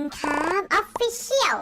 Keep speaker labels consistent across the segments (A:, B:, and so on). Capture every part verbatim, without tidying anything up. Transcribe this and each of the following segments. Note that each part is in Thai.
A: ครับออฟฟิเชียล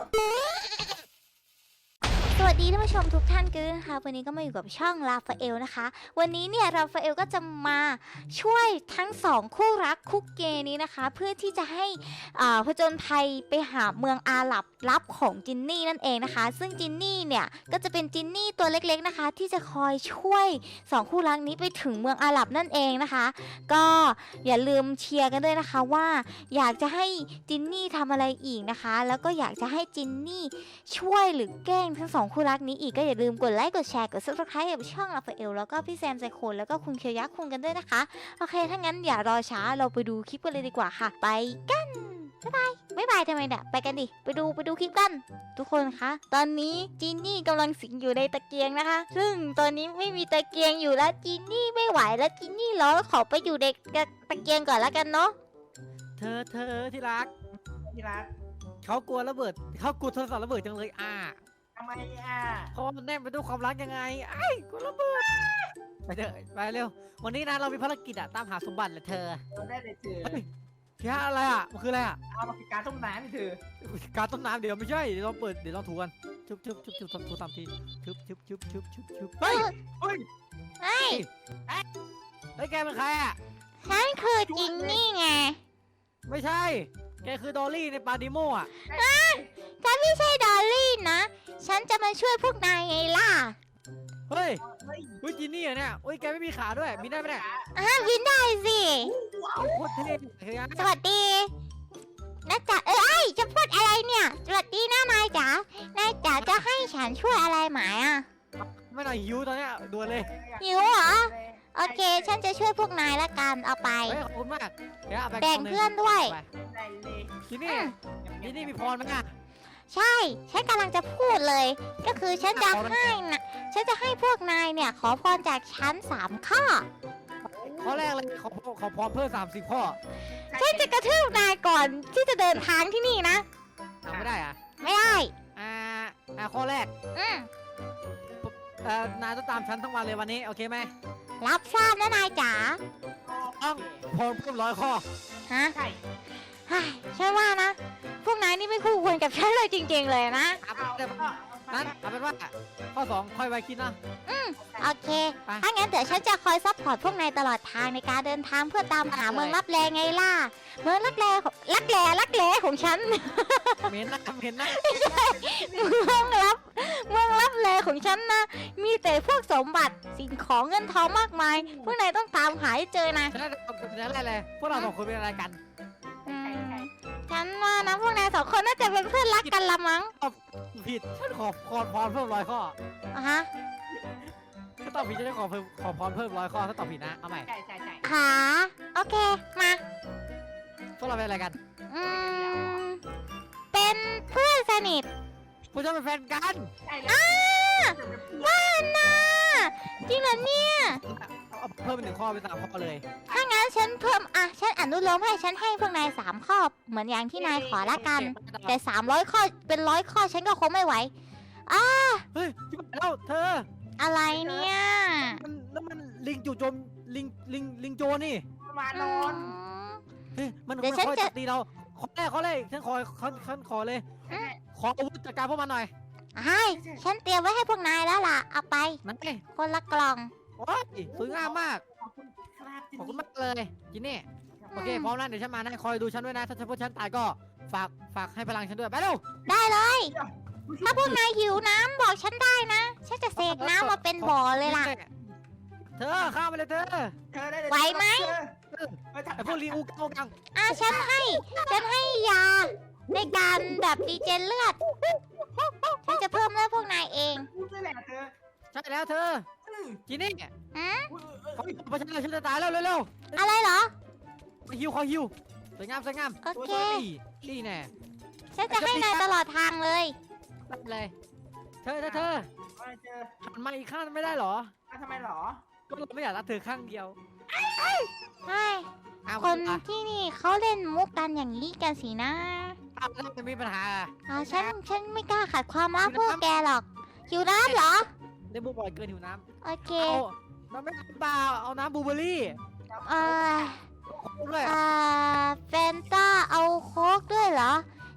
A: สวัสดีท่านผู้ชมทุกท่านกันนะคะวันนี้ก็มาอยู่กับช่องราฟาเอลนะคะวันนี้เนี่ยราฟาเอลก็จะมาช่วยทั้งสองคู่รักคู่เกย์นี้นะคะเพื่อที่จะให้อ่าผจญภัยไปหาเมืองอาหรับลับของจินนี่นั่นเองนะคะซึ่งจินนี่เนี่ยก็จะเป็นจินนี่ตัวเล็กๆนะคะที่จะคอยช่วยสองคู่รักนี้ไปถึงเมืองอาหรับนั่นเองนะคะก็อย่าลืมเชียร์กันด้วยนะคะว่าอยากจะให้จินนี่ทำอะไรอีกนะคะแล้วก็อยากจะให้จินนี่ช่วยหรือแกล้งทั้งสองคู่รักนี้อีกก็อย่าลืมกดไลค์กดแชร์กด ซับสไครบ์ กับช่องราฟาเอลแล้วก็พี่แซมไซโคนแล้วก็คุณเคียวยักษ์คุงกันด้วยนะคะโอเคถ้างั้นอย่ารอช้าเราไปดูคลิปกันเลยดีกว่าค่ะไปกันบ๊ายบายบ๊ายบายทำไมเนี่ยไปกันดิไปดูไปดูคลิปกันทุกคนคะตอนนี้จินนี่กำลังสิงอยู่ในตะเกียงนะคะซึ่งตอนนี้ไม่มีตะเกียงอยู่แล้วจินนี่ไม่ไหวแล้วจินนี่ร้อนขอไปอยู่ในตะเกียงก่อนแล้วกันเนาะ
B: เธอเธอที่รัก
C: ที่รัก
B: เขากลัวระเบิดเขากลัวโทรศัพท์ระเบิดจังเลยอ่ะ
C: ทำไมอ่ะ
B: เพราะว่ามันแน่นไปด้วยความรักยังไงไอ้กลัวระเบิดไปเถอะไปเร็ววันนี้นะเรามีภารกิจอะตามหาสมบัติแหละเธอ
C: เราได้เลยเธอ
B: เฮ้ยแค่อะไรอะมันคืออะไรอะ
C: เอามาพิการต้มน้ำให้เธอ
B: การต้นน้ำเดี๋ยวไม่ใช่เดี๋ยวเราเปิดเดี๋ยวเราถูกันชุบชุบชุบชุบถูตามทีชุบชุบชุบชุบชุบชุบเฮ้ย
C: เฮ้ย
A: เฮ้ย
B: เฮ้ยแกเป็นใครอะ
A: ฉันคือจินนี่ไง
B: ไม่ใช่แกคือดอลลี่ในปาดิโมอะ
A: ฉันไม่ใช่ดอลลี่นะ ฉันจะมาช่วยพวกนายไงล่ะ
B: เฮ้ย
C: เฮ้ย
B: เฮ้ยจินนี่อะเนี่ยเฮ้ยแกไม่มีขาด้วยมีได้ไหมเนี่ย
A: อ่ะวินได้สิ
B: โคตรเท่เฮ้ย
A: สวัสดีนะจ๊ะเอ้ยจะพูดอะไรเนี่ย สวัสดีนะนายจ๋านายจ๋าจะให้ฉันช่วยอะไรไหมอ่ะ
B: ไม่หน่อยหิวตอนเนี้ยด่วนเลย
A: หิวเหรอ โอเค ฉันจะช่วยพวกนายละกัน เอาไป
B: เฮ้ยขอบคุณมากเดี๋ยวเอาไป
A: แบ่งเพื่อนด้วย
B: ไป
C: ได้เลย
B: ที่นี่ที่นี่มีพรไหมอ่ะ
A: ใช่ ฉันกำลังจะพูดเลย ก็คือฉันจะให้นะฉันจะให้พวกนายเนี่ย ขอพรจากฉันสามข้อ
B: ข้อแรกเลยขอขอพรเพิ่มสามสิบข้อ
A: ฉันจะกระทืบนายก่อนที่จะเดินทางที่นี่นะ
B: ทำไม่ได้อ่ะ
A: ไม่ได้
B: อ่าอ่าข้อแรก
A: อืม
B: เอ่อนายต้องตามฉันทั้งวันเลยวันนี้โอเคไหม
A: รับทราบนะนายจ๋า
B: ต้องพรเพิ่มร้อยข้อ
A: ฮะ
C: ใช่
A: เฮ้ยฉันว่านะ พวกนายนี่ไม่คู่ควรกับฉันเลยจริงๆเลยนะ
B: เอา
C: เอา
B: เป็น
C: ก็
B: นั้นเอาเป็นว่าข้อสองค่อยไว้คิดนะ
A: โอเค
B: ไป
A: ถ้างั้นเดี๋ยวฉันจะคอยซัพพอร์ตพวกนายตลอดทางในการเดินทางเพื่อตามหาเมืองลับแลไงล่ะ เมืองลับแลของลับแลลับแลของฉัน
B: เหม็นนะเหม็นนะ
A: เมืองลับ เมืองลับแลของฉันนะ มีแต่พวกสมบัติสิ่งของเงินทองมากมาย พวกนายต้องตามหาให้เจอนะ
B: ฉันได้ฉันได้เลยพวกเราสองคนเป็นอะไรกัน
A: อืมฉันว่านะพวกนายสองคนน่าจะเป็นเพื่อนรักกันละมั้ง
B: ผิดฉันขอพรพรเพิ่มร้อยข้อ
A: อ่ะฮะ
B: ถ้าตอบผิดจะได้ขอเพิ่มขอพรเพิ่มร้อยข้อถ้าตอบผิดนะเอาใหม่
C: ใช่ใช่ใช่
A: ขาโอเค มา
B: พวกเราเป็นอะไรกัน
A: อืม เป็นเพื่อนสนิท
B: พวกเราเป็นแฟนกัน
C: ใช่
A: อ้าว่านะจริงเหรอเนี่ย
B: เอาเพิ่มเป็นหนึ่งข้อเป็นสามข้อเลย
A: ถ้างั้นฉันเพิ่ม อ่ะ ฉันอนุโลมให้ฉันให้พวกนายสามข้อ เหมือนอย่างที่นายขอละกัน แต่สามร้อยข้อ เป็นร้อยข้อฉันก็คงไม่ไหว
B: เฮ้ยที่บ้านแล้วเธอ
A: อะไรเนี่ย
B: มันแล้วมันลิงจู่โจมลิงลิงลิงโจรนี่
C: มานอน
B: เฮ้ยมัน
A: เดี๋ยว
B: มัน
A: ฉัน
B: คอย
A: จะ
B: จับตีเราขอแรกขอแรกฉันขอฉันฉันขอเลย ขออาวุธจัดการพวกมันหน่อย
A: ไอ้ฉันเตรียมไว้ให้พวกนายแล้วล่ะ เอาไป
B: นั่นไง
A: คนละกล่อง
B: โอ้ยสวยงามมาก
C: ขอบคุณครับ
B: ขอบคุณมากเลยจินนี่โอเคพร้อมแล้วเดี๋ยวฉันมานะคอยดูฉันด้วยนะถ้าฉันพวกฉันตายก็ฝากฝากให้พลังฉันด้วยไปเร็ว
A: ได้เลย ถ้าพวกนายหิวน้ำบอกฉันได้นะ ฉันจะเสกน้ำมาเป็นบ่อเลยล่ะ
B: เธอข้ามไปเลยเธอ
C: เธอได้เลย
A: ไหวไหม
B: ไอพวกลิงอูกังอูกัง
A: อ่ะฉันให้ ฉันให้ยา ในการแบบดีเจนเลือด ฉันจะเพิ่มเลือดพวกนายเอง
C: พูดได้แหละเธอ
B: ใช่แล้วเธอ
C: อืม
B: จินนี่
A: อืม
B: ขออีกประชันเลยฉันจะตายแล้วเร็ว
A: อะไรเหรอ
B: ๆขอฮิวขอฮิวสวยงามสวยงาม
A: โอเค
B: นี่นี่แน่
A: ฉันจะให้นายตลอดทางเลย
B: รับเลย เธอเธอเธอ
C: ว่าเธอ
B: หันมาอีกข้างไม่ได้เหรอ
C: อ่ะทำไมหรอ
B: ก็เราไม่อยากรักเธอข้างเดียว
A: ใช่
B: อ้าว
A: คน
B: อ่ะ
A: ที่นี่เขาเล่นมุกกันอย่างนี้กันสินะ
B: อ้าวแล้วจะมีปัญหาอ่ะ
A: อ่าฉัน ฉันไม่กล้าขัดความรักพวกแกหรอกหิวน้ำเหรอ
B: ได้บูบ่อยเกินหิวน้
A: โอเค
B: ำเอาน้ำไม่น้ำเปล่าเอาน้ำบลูเบอร์รี่
A: เอ่อ
B: โค้กด้วย
A: อ่าแฟนต้าเอาโค้กด้วยเหรอ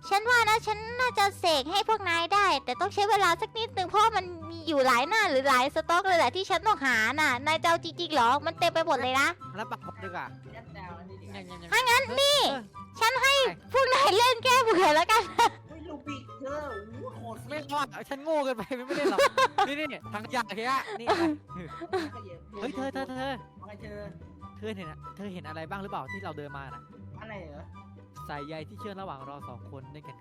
A: ฉันว่านะฉันน่าจะเสกให้พวกนายได้ แต่ต้องใช้เวลาสักนิดนึงเพราะว่ามันมีอยู่หลายหน้าหรือหลายสต็อกเลยแหละที่ฉันต้องหาน่ะนายจะเอาจริงๆเหรอมันเต็มไปหมดเลยนะ
B: แล้วปักหมดดีกว่า
C: ยัดดาวอันนี้ดิ
B: ยังยังยัง
A: ถ้างั้นนี่
B: เออ
A: ฉันให้พวกนายเล่นแก้เบื่อแล้วกัน
C: เฮ้ยลูบิกเธอโอ้โหโหด
B: ไม่รอดฉันโง่เกินไปไม่ได้หรอกนี่นี่ทางยาแค่นี่อะไรเฮ้ยเธอเธอเธอ
C: อะไรเธอ
B: เธอเห็นอะเธอเห็นอะไรบ้างหรือเปล่าที่เราเดินมาน่ะ
C: อะไรเหรอ
B: สายใยที่เชื่อมระหว่างเราสองคนด้วยกันไง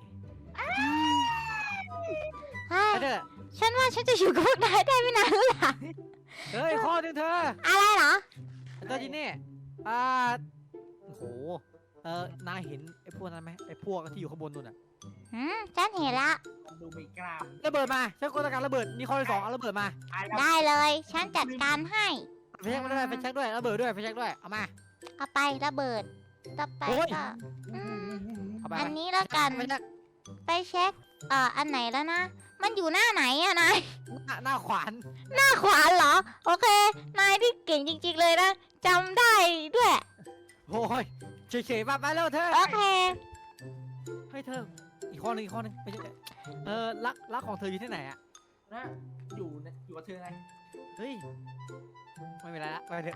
A: เฮ้ย
B: ไอ้เธอ
A: ฉันว่าฉันจะอยู่กับพวกนายได้ไม่นานแล้วล่ะ
B: เฮ้ยข้อหนึงเธอ
A: อะไรเหรอ
B: เธอจีนี่อ่าโอ้โหเออนายเห็นไอ้พวกนั้นไหมไอ้พวกที่อยู่ข้างบนนู่นน่ะ
A: หืมฉันเห็นละ
C: มันดูไม่กล้าม
B: ระเบิดมาฉันกดการระเบิดมีข้อที่สองเอาระเบิดมา
C: อ่ะแล้ว
A: ได้เลย ฉันจัดการให้
B: ไปเช็คมาด้วยไปเช็คด้วยระเบิดด้วยไปเช็คด้วยเอามา
A: เอาไประเบิดต่อไป
B: โอ้ย
A: ก็อืม
B: เอาไป
A: อันนี้แล้วกัน
B: ไปเช็ค
A: ไปเช็คเอ่ออันไหนแล้วนะ มันอยู่หน้าไหนอะนาย
B: หน้าหน้าขวาน
A: หน้าขวาเหรอ โอเค นายที่เก่งจริงๆเลยนะจำได้ด้วย
B: โอ้ยเฉยๆมาไปแล้วเธอ
A: โอเค
B: เฮ้ยเธออีกข้อหนึงอีกข้อหนึงไปเช็คเออรักรักของเธออยู่ที่ไหนอะ
C: นะอยู่นะอยู่กับเธอไง
B: เฮ้ยไม่เป็นไรละไปเถอะ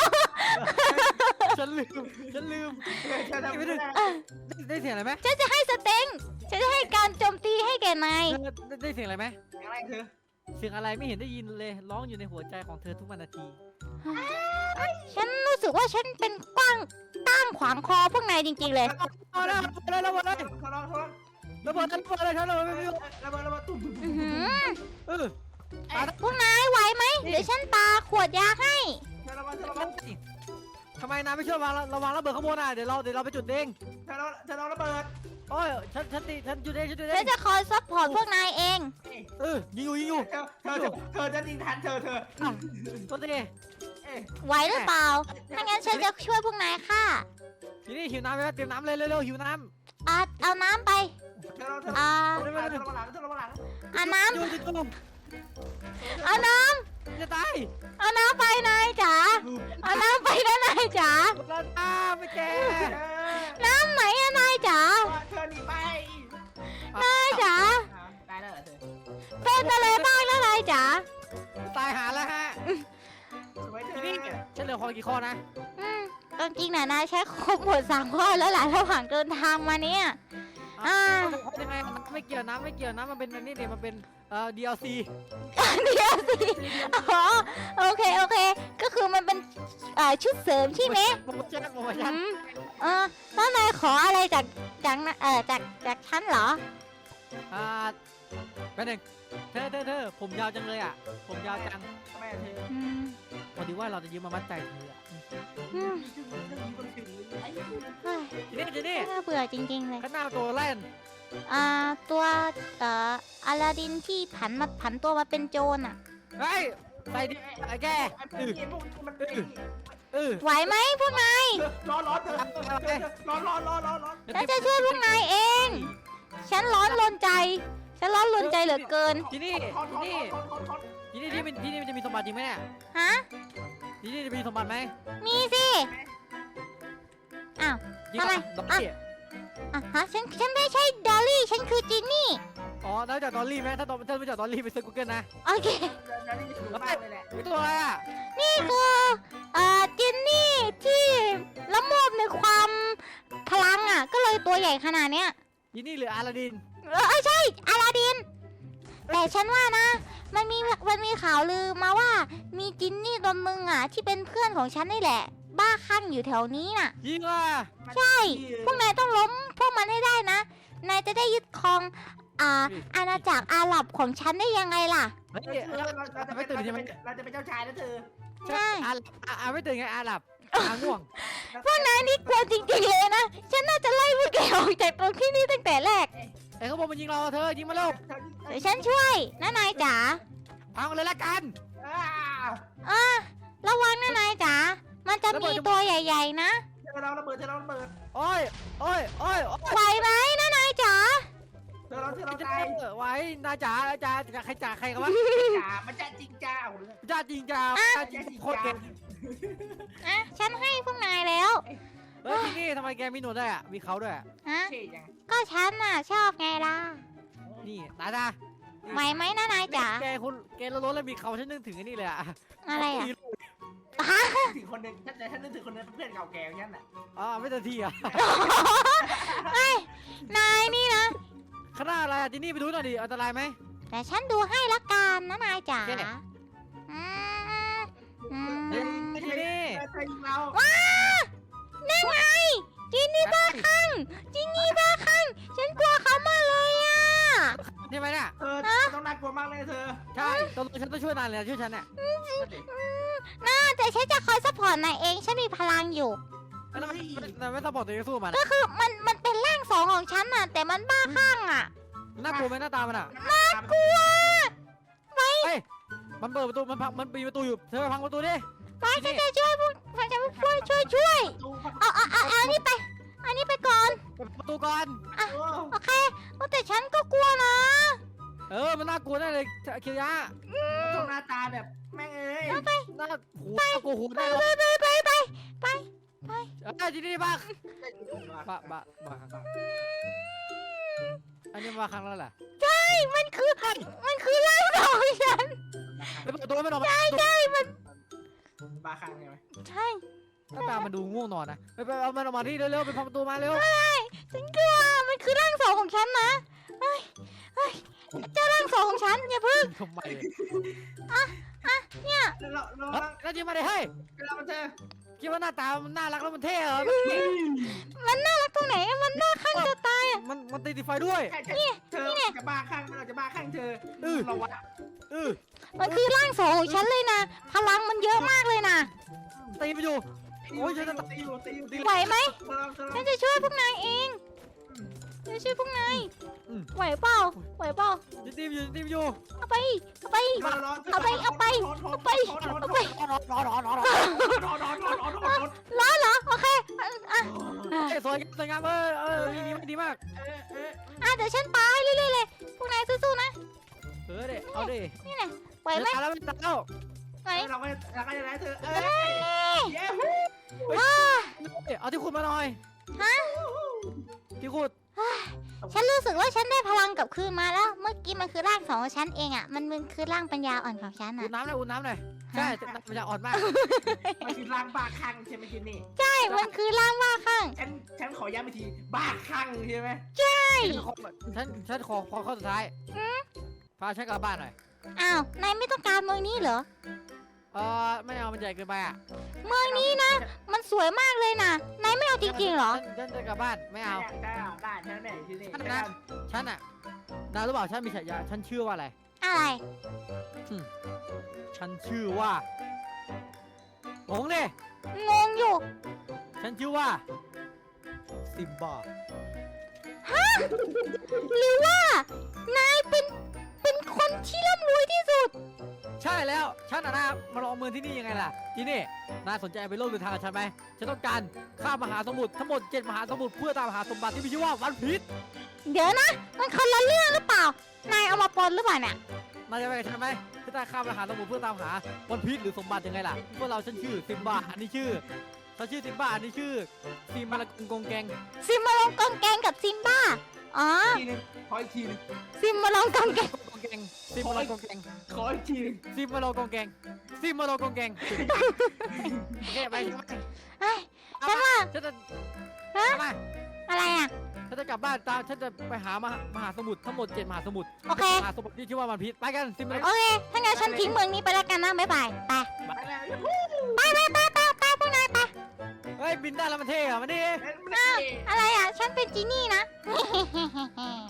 B: ฉันลืมฉันลืม
C: เธอทำ
B: ไม่
C: ไม่
B: ได้
C: ได้
B: ได้ได้เสียงอะไรไหม
A: ฉันจะให้สเต็งฉันจะให้การโจมตีให้แก่นาย
B: เธอได้ได้เสียงอะไรไหม
C: อะไรเธอ
B: เสียงอะไรไม่เห็นได้ยินเลยร้องอยู่ในหัวใจของเธอทุกวันนาที
A: ฉันรู้สึกว่าฉันเป็นกว้างตั้งขวางคอพวกนายจริงๆเลย
B: เอาเลยเอาเลยระเบิดเลย
C: ทะเลาะทะเลาะ
B: ระเบิดระเบิดเลยฉันระเบิดไม่รู้
C: ระเบิดระเบิดตุ้มตุ้ม
A: อื้อหือ
B: เออ
A: พวกนายไหวไหมเดี๋ยวฉันปาขวดยาให้
C: เธอระเบิดเธอระเบิด
B: ทำไมนายไม่ช่วยวางระวังระเบิดข้างบนอ่ะเดี๋ยวเราเดี๋ยวเราไปจุดเอง
C: เธอระเธอระเบิด
B: โอ้ยฉันฉันตีฉันจุดเองฉันจุดเอ
A: ฉัน
B: ง
A: จะคอยซัพพอร์ตพวกนายเอง
B: เออยิงอยู่ยิงอยู่
C: เธอเธอเธอจะยิงทันเธอเธอ
B: ตัวตี
A: ไหวหรือเปล่า ถ้างั้นฉันจะช่วยพวกนายค่ะ
B: ทีนี้หิวน้ำไหมเตรียมน้ำเลยเร็วๆหิวน้ำ
A: อ่ะเอาน้ำไป
C: เธอเธอ
A: อ่า
C: เธอระเบิดหลังเธอระเบิดหลัง
A: เอาน้
B: อยู่จุดจุด
A: ำเอาน้
B: จะตาย
A: ำเอาน้ำไปนายจ๋า เอาน้ำไปนะนายจ๋า
B: แล้วน้ำไม่แก
A: น้ำไหนอะนายจ๋า
C: เธอหนีไป
A: นายจ๋า
C: ตายแล้วเหรอเธอ
A: เป็นอะไรบ้างแล้วนายจ๋า
B: ตายหาแล้วฮะ
C: สวยเธ
B: ที
C: อ
B: นี้ฉันเหลือคอกี่ข้อนะ
A: อืมตอนจริงน่ะนายใช้ครบหมดสามข้อแล้วหลายระหว่างเดินทางมาเนี่ย อ่า
B: ยังไงไม่เกี่ยวน้ำไม่เกี่ยวน้ำมันเป็นอันนี้เดี๋ยวมันเป็นเอ่อ ดี แอล ซี
A: เดี๋ยวสิอ๋อโอเคโอเค ก็คือมันเป็นเอ่อชุดเสริมใช่ไหม
B: โปรโมชั่นโปรโม
A: อื
B: ชั่น
A: มเออแล้วนายขออะไรจากจากนะเออจากจากฉันเหรอ
B: อ่าแป๊บหนึงเธอเธอเธอผมยาวจังเลยอ่ะ ผมยาวจัง
C: ทำไมเธอ
A: อืม
B: พอดีว่าเราจะยืมมามัดใจเธออะ
A: อืมเฮ้ย
B: ทีนี้ทีนี้
A: น่าเบื่อจริงๆเลย
B: ข้างหน้าตัวแล่น
A: อ่าตัวเอ่ออลาดินที่ผันมาผันตัวมาเป็นโจรอ่ะ
B: เฮ้ยใส่ดิไอ้แก
C: ไอ้พวกนี้พวกมันเป็น
B: เออ
A: ไหวไหมพวกนาย
C: ร้อนร้อนเธอร้อนร้อนร้อนร้อนร้อน
A: ฉันจะช่วยพวกนายเอง ฉันร้อนรนใจ ฉันร้อนรนใจเหลือเกิน
B: ทีนี้
C: ทอนท
B: ที
C: อน
B: นี้
C: ทอนทอนทอน
B: ทีนี้ที่มันที่นี่มันจะมีสมบัติจริงไหมเนี่ย
A: ฮะ
B: ทีนี้จะมีสมบัติไหม
A: มีสิอ้าว
B: จริง
A: ทำไม
B: ดอลลี่
A: อ่ะฮะฉันฉันไม่ใช่ดอลลี่ ฉันคือจินนี่
B: อ๋อแล้วจากดอลลี่ไหมถ้าตอนถ้าไม่จากดอลลี่ไปเซิร์ชกูเกิลนะ
A: โอเค
C: แล้วนี่สูงมากเลยแหละ
B: มีตัวอะไรอ่ะ
A: นี่คือเอ่อจินนี่ที่ละโมบในความพลังอ่ะ ก็เลยตัวใหญ่ขนาดเนี้ย
B: ทีนี่หรืออาลาดิน
A: เออเอ้ยใช่อลาดิน แต่ฉันว่านะ มันมีมันมีข่าวลือมาว่า มีจินนี่ตัวมึงอ่ะ ที่เป็นเพื่อนของฉันนี่แหละ บ้าคลั่งอยู่แถวนี้น่ะ
B: ยิงอ่ะ
A: ใช่ พวกนายต้องล้มพวกมันให้ได้นะ นายจะได้ยึดครองอ่าอาณาจักรอาหรับของฉันได้ยังไงล่ะ
B: เฮ้ย
C: เรา
B: เรา
C: เราจะ
B: ไม่
C: เป็น
B: ตื่นใช่ไหม
C: เราจะเป็นเจ้าชายนะเธอ
A: ใช่
B: อาอาอาไม่ตื่นไงอาหลับอาง่วง
A: พวกนายนี่กลัวจริงๆเลยนะ ฉันน่าจะไล่พวกแกออกจากตรงที่นี่ตั้งแต่แรก
B: ไอ้เขาบอกมันยิงเราเธอยิงมาเร็ว
A: เดี๋ยวฉันช่วยนะนายจ๋า
B: พังเลยละกัน
A: อ่าระวังนะนายจ๋า มันจะมีตัวใหญ่ๆนะ
C: เธอเราระเบิดเธอเราระเบิด
B: โอ้ยโอ้ยโอ้ยโอ้ย
A: ไหวไหมนะนายจ๋า
C: เธอเราเธอเรา
B: จะ
C: ตาย
B: ไว้นาจ๋านาจ๋าใครจ๋าใครกันวะ
C: จ๋ามันจะจริงจ้า
B: จ้าจริงจ้าจ้าจริงโคตรเก่ง
A: อ่ะ ฉันให้พวกนายแล้ว
C: เ
B: เฮ้ยที่นี่ทำไมแกมีหนวดด้วยอ่ะมีเขาด้วยอ่ะ
A: ฮะ
C: เท่จัง
A: ก็ฉันน่ะชอบไงล่ะ
B: นี่ตาตา
A: ไหวไหมนะนายจ๋า
B: แกคุณแกล้นๆแล้วมีเขาฉันนึกถึงไอ้นี่เลยอ่ะ
A: อะไรอ่ะ
C: ถึงคนหนึงฉันฉันนึกถึงคนนึงเพื่อนเก่าแก่อย่างนั้นน่ะ
B: อ๋อไม่ทันทีอ่ะ
A: นายนี่นะ
B: ขนาดอะไรอ่ะที่นี่ไปดูหน่อยดิอันตรายไหม
A: แต่ฉันดูให้ละกันนะนายจ๋า
B: แค่ไหน
A: อืมอืม
B: เฮ้ยที่นี่
C: เธอยิงเรา
A: นั่นไงจินนี่บ้าคลั่งจินนี่บ้าคลั่งฉันกลัวเขามากเลยอ่ะ
B: ใช่ไหมเนี่ย
C: เธอต้องน่ากลัวมากเลยเธอ
B: ใช่ตกลงฉันต้องช่วยนายเลยช่วยฉันเนี่ย
C: นั่นดิ
A: น่าแต่ฉันจะคอยซัพพอร์ตนายเองฉันมีพลังอยู่
B: แล้วทำไมนายไม่สปอร์ตตัวเองสู้มัน
A: ก็คือมันมันเป็นร่างสองของฉันน่ะ แต่มันบ้าคลั่งอ่ะ
B: น่ากลัวไหมหน้าตามันอ่ะ
C: น่ากลัว
B: เฮ้ยมันเปิดประตูมันพังมันปีนประตูอยู่เธอไปพังประตูดิ
A: ไปฉันจะช่วยพวกฉันจะช่วยช่วยช่วยเอาเอาเอาเอาอันนี้ไปอันนี้ไปก่อน
B: เปิดประตูก่อน
A: โอเคแต่ฉันก็กลัวนะ
B: เออมันน่ากลัวแน่เลยเคียวยะ
C: ตรงหน้าตาแบบแม่งเอ้ย
B: น่าหูน่ากลัวหู
A: ไป
B: แน่เลย
A: ไปไปไปไป
B: เอ้ยที่นี่บ้าบ้าบ้าบ้าอันนี้มาครั้งแล้วแหละ
A: ใช่มันคือมันคือร่างสองของฉัน
B: ไปเปิดประตูไม่ออกมา
A: ใช่ใช่มัน
C: บ้าคลั่งใช่ไหม
A: ใช่
B: หน้าตามันดูง่วงนอนนะไปไปเอามันออกมาที่เร็วๆไปพังประตูมาเร็ว
A: ฉันกลัวมันคือร่างสองของฉันนะเฮ้ยเฮ้ยเจ้าร่างสองของฉันอย่าพึ่ง
B: ทำไม
A: เนี่ย
C: เราเรา
B: เฮ้ยแล้วจริงมาเลยเฮ้ย
C: เราเธอ
B: คิดว่าหน้าตามันน่ารักแล้วมันเท่เหรอ
A: มันน่ารักตรงไหนมันน่าข้างจะตายอ่ะ
B: มันมันติดไฟด้วย
C: เธอจะบ้าคลั่งเราจะบ้าคลั่งเธอเราวะ
B: เออ
A: มันคือร่างสองของฉันเลยนะพลังมันเยอะมากเลยนะ
B: ตีไปอยู่
C: โอ้ยฉันจะตีอยู่ตีอยู่ตี
A: ไหวไหม
C: เธอเธอ
A: ฉันจะช่วยพวกนายเองจะช่วยพวกนายไหวเปล่าไหวเปล่า
B: จะตีไปอยู่จะตีไปอยู่
A: เอาไปเอาไป เอาไปเอาไปเอาไปเอาไป
B: รอรอรอรอรอ
A: ร้อนเหรอโอเคอ่ะอ่ะ
B: เอ้ยสวยงามสวยงามเออเออดีดีมาก
A: อ่ะเดี๋ยวฉันปาให้เรื่อยๆเลยพวกนายสู้ๆนะ
B: เออเด็เอาดิ
A: นี่ไงไหวไหม
B: ตายแล้วไม่ตายแล้ว
A: ไหว
C: เราก็เราก็จะได้เธอเอ
A: เอ้
C: อย เย้
A: ว้า
B: เอาที่ขุดมาหน่อย
A: ฮะ
B: ที่ขุด
A: ฉันรู้สึกว่าฉันได้พลังกลับคืนมาแล้ว เมื่อกี้มันคือร่างสองของฉันเองอ่ะมันมันคือร่างปัญญาอ่อนของฉัน
B: อุ่
A: อ่ะ
B: นน้ำหน่อยอุ่นน้ำหน่อยใช่มันจะอ่อนมาก
C: มันคือร่างบ้าคลั่งใช่ไหมจินนี่
A: ใช่มันคือร่างว่าข้าง
C: ฉันฉันขอย้ำอีกทีบ้าคลั่งใช่ไหม
B: ฉันฉันขอขอข้อสุดท้ายพาฉันกลับบ้านหน่อย
A: อ้าวนายไม่ต้องการเมืองนี้เหรอ
B: เออไม่เอามันใหญ่เกินไปอ่ะ
A: เมืองนี้นะ มันสวยมากเลยนะนายไม่เอาจริงๆเหรอ
B: ฉันจะกลับบ้านไม่เอา
C: ได้ได้ฉันไหนจินนี่
B: ฉันอ่ะนายรู้เปล่าฉันมีฉายาฉันชื่อว่าอะไร
A: อะไร
B: ฉันชื่อว่าหงเลย
A: งงอยู่
B: ฉันชื่อว่าซิมบ้า
A: หรือว่านายเป็นเป็นคนที่ร่ำรวยที่สุด
B: ใช่แล้วฉันอ่ะนะมาลองเมืองที่นี่ยังไงล่ะที่นี่นายสนใจไปโลกเดินทางกับฉันไหมฉันต้องการข้ามมหาสมุทรทั้งหมดเจ็ดมหาสมุทรเพื่อตามหาสมบัติที่มีชื่อว่าวันพีช
A: เดี๋ยวนะ มันคนละเรื่องหรือเปล่า นายเอามาปนหรือเปล่าเนี่ย
B: นายจะไปกับฉันไหมที่ตาข้ามมหาสมุทรเพื่อตามหาวันพีชหรือสมบัติยังไงล่ะพวกเราฉันชื่อซิมบ้าอันนี้ชื่อฉันชื่อซิมบ้าอันนี้ชื่อซิมมาลากงกงแกง
A: ซิมมาลองกองแกงกับซิมบ้า อ๋อ
C: ทีนึงขออีกทีนึง
A: ซิมมาลองกองแกง
B: กงแกงซิมมาลากงแกง
C: ขออีกทีนึง
B: ซิมมาลากงแกงซิมมาลากงแกงโอเคไป
A: เฮ้ย ฉันว่า
B: ฉันจะ
A: ฮะ
B: มา
A: อะไรอ่ะ
B: ฉันจะกลับบ้านตามฉันจะไปหามหามหาสมุทรทั้งหมดเจ็ดมหาสมุทร
A: โอเค
B: มหาสมุทรที่ชื่อว่าวันพีชไปกันซิมมาลา
A: โอเค ถ้างั้นฉันทิ้งเมืองนี้ไปแล้วกันนะบ๊ายบาย ไป
C: ไปแล้ว
A: ไปไปไปไปไปพวกนายไป
B: เฮ้ยบินได้แล้วมันเท่เหรอมันนี่
A: อะไรอ่ะ ฉันเป็นจีนี่นะ